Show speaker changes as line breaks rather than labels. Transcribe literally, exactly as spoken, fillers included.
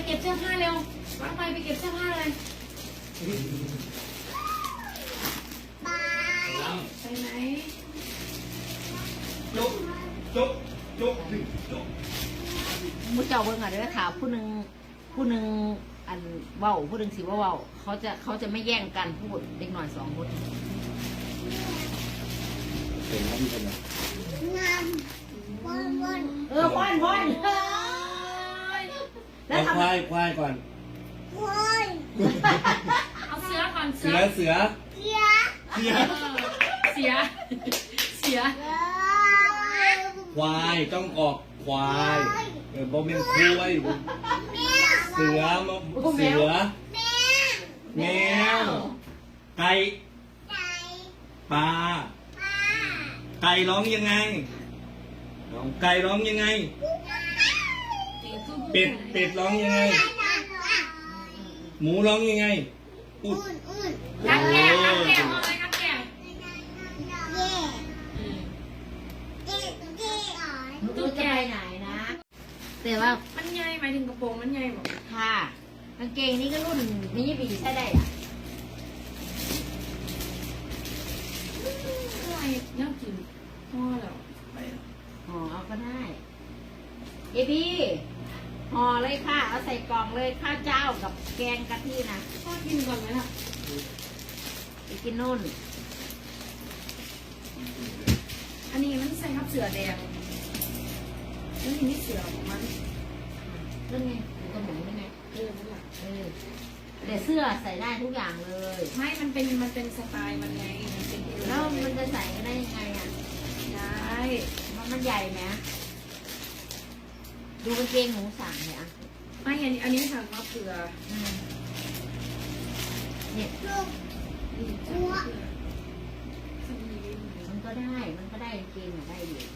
เก็บเสื้อผ้าเร็ววางไปไปเก็บเสื้อผ้าเลยไปไหน
จุ๊บจุ๊บจุ๊บจุ๊บ
มุ้เจ้าเบิ่งอ่ะเด้อค่ะผู้หนึ่งผู้หนึ่งอันเว้าผู้หนึ่งสิว่าเว้าเขาจะเขาจะไม่แย่งกันพูดเด็กหน่อยสองคน
เป็นครับพี่เป็นไง
เออพ่อนพ่อน
แล้วควายควายก่อน
เอาเสือก่อน
เสือเสือเสือเสือ
เสียเสีย
ควายต้องออกควายเออบ่เป็นควายเสือมาเสือแมวไก่ปลาไก่ร้องยังไงไก่ร้องยังไงเป็ดเป็ดร้องยังไงหมูร้องยังไงอุด
กัดแก้วกัดแก้วอะไรกัดแก้ว
ตัวใจไหนนะแต่ว่า
มันใหญ่หมายถึงกระโปรงมันใหญ่หมด
ค่ะกางเกงนี่ก็รุ่นนี้ปีใช่ได้อ่ะ
อะไรน่ากินพ่อแล้วไป
ห่อเอาก็ได้เอพี่ห่อเลยค่ะเอาใส่กล่องเลยข้าวเจ้ากับแกงกะทินะ
พ่อกินก่อนไหมล่ะ
ไปกินนู่น
อันนี้มันใส่ทับเสือแดงแล้วทีนี้เสือของมัน
นั่นไงอยู่ตรงไหนนั่นไง
เออนั่นแหละ
เออแต่เสื้อใส่ได้ทุกอย่างเลย
ไม่มันเป็นมันเป็นสไตล์มันไงมันเป็น
แล้วมันจะใส่ได้ยังไงอ่ะ
ได้
มันมันใหญ่ไหมดูกางเกงหนูสั่งเนี่ยอ่ะ
ไม่อันนี้อันนี้สั่งมาเผื่อ
เนี่ย
มัน
ก็ได้มันก็ได้กางเกงได้อยู่